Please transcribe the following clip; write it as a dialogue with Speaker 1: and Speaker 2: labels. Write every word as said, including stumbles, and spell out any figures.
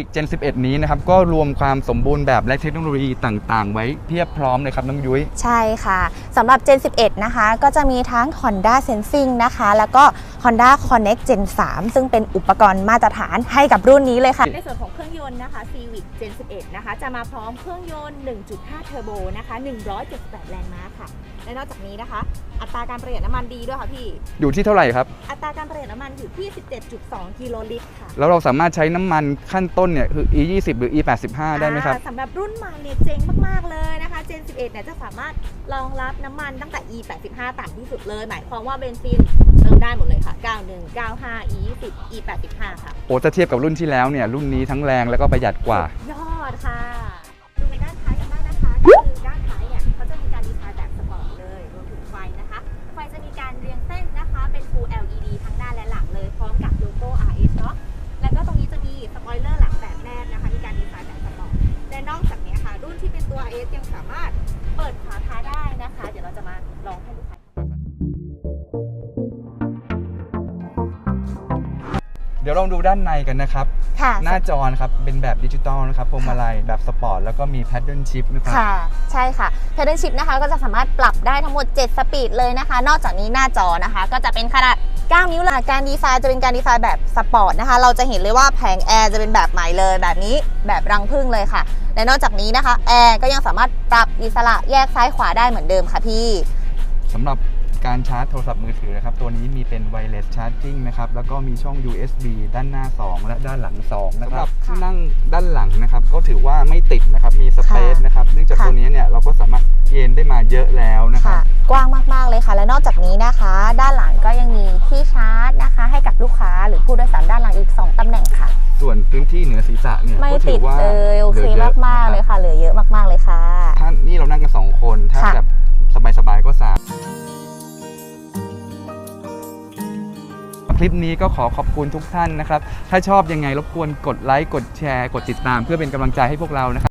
Speaker 1: เจนสิบเอ็ด นี้นะครับก็รวมความสมบูรณ์แบบและเทคโนโลยีต่างๆไว้เพียบพร้อมเลยครับน้องยุ้ย
Speaker 2: ใช่ค่ะสำหรับ เจนสิบเอ็ด นะคะก็จะมีทั้ง Honda Sensing นะคะแล้วก็ Honda Connect เจน สาม ซึ่งเป็นอุปกรณ์มาตรฐานให้กับรุ่นนี้เลยค่ะ
Speaker 3: ในส่วนของเครื่องยนต์นะคะ Civic เจน สิบเอ็ด นะคะจะมาพร้อมเครื่องยนต์ หนึ่งจุดห้า เทอร์โบนะคะหนึ่งร้อยเจ็ดสิบแปดแรงม้าค่ะและนอกจากนี้นะคะอัตราการประหยัดน้ำมันดีด้วยค่ะพี่
Speaker 1: อยู่ที่เท่าไหร่ครับ
Speaker 3: อัตราการประหยัดน้ำมันอยู่ที่ สิบเจ็ดจุดสอง กิโลลิตรค่ะ
Speaker 1: แล้วเราสามารถใช้น้ำมันขั้นต้นเนี่ยคือ อี ยี่สิบ หรือ อี แปดสิบห้า ได้ไหมครับ
Speaker 3: สำหรับรุ่นใหม่เนี่ยเจ๋งมากๆเลยนะคะ เจน สิบเอ็ด เนี่ยจะสามารถรองรับน้ำมันตั้งแต่ อี แปดสิบห้า ต่ำที่สุดเลยหมายความว่าเบนซินเติมได้หมดเลยค่ะเก้าสิบเอ็ด เก้าสิบห้า อี ยี่สิบ อี แปดสิบห้า ค่ะ
Speaker 1: โอ้จะเทียบกับรุ่นที่แล้วเนี่ยรุ่นนี้ทั้งแรงแล้วก็ประหยัดกว่าย
Speaker 3: อดค่ะดูในด้านท้ายกันบ้างนะคะก็คือด้านท้ายเนี่ยเขาจะมีการดีไซน์แบบสปอร์ตเลยรวมถึงไฟนะคะไฟจะมีการเรียงเส้นนะคะเป็น Full แอล อี ดี ทั้งหน้าและหลังเลยพร้อมกับโลโก้ อาร์ เอส เนาะแล้วก็ตรงนี้จะมีสปอยเลอร์หลังแบบแนบนะคะมีการดีไซน์แบบสปอร์ตและนอกจากนี้ค่ะรุ่นที่เป็นตัว อาร์ เอส ยังสามารถเปิดฝาท้ายได้นะคะเดี๋ยวเราจะมาลองให้ดูค่ะ
Speaker 1: เดี๋ยวลองดูด้านในกันนะครับหน้าจอนะครับเป็นแบบดิจิตอลนะครับพวงมาลัยแบบสปอร์ตแล้วก็มีแพดเดิลชิพนะครับ
Speaker 2: ค่ะใช่ค่ะแพดเดิลชิพนะคะก็จะสามารถปรับได้ทั้งหมดเจ็ดสปีดเลยนะคะนอกจากนี้หน้าจอนะคะก็จะเป็นขนาดเก้านิ้วละการดีไซน์จะเป็นการดีไซน์แบบสปอร์ตนะคะเราจะเห็นเลยว่าแผงแอร์จะเป็นแบบใหม่เลยแบบนี้แบบรังผึ้งเลยค่ะและนอกจากนี้นะคะแอร์ก็ยังสามารถปรับอิสระแยกซ้ายขวาได้เหมือนเดิมค่ะพี่
Speaker 1: สำหรับการชาร์จโทรศัพท์มือถือนะครับตัวนี้มีเป็น Wireless Charging นะครับแล้วก็มีช่อง ยู เอส บี ด้านหน้าสองและด้านหลังสองนะครับที่นั่งด้านหลังนะครับก็ถือว่าไม่ติดนะครับมีสเปซนะครับเนื่องจากตัวนี้เนี่ยเราก็สามารถเอนได้มาเยอะแล้วนะครับ
Speaker 2: กว้างมากๆเลยค่ะและนอกจากนี้นะคะด้านหลังก็ยังมีที่ชาร์จนะคะให้กับลูกค้าหรือผู้โดยสารด้านหลังอีกสองตำแหน่งค่ะ
Speaker 1: ส่วนพื้นที่เหนือศีรษะเนี่ย
Speaker 2: ไม่ติดเลยโอเคมากๆเลยค่ะเหลือเยอะมากๆเลยค่ะ
Speaker 1: ถ้านี่เรานั่งกันสองคนถ้าแบบสบายๆก็สามคลิปนี้ก็ขอขอบคุณทุกท่านนะครับถ้าชอบยังไงรบกวนกดไลค์กดแชร์กดติดตามเพื่อเป็นกำลังใจให้พวกเรานะครับ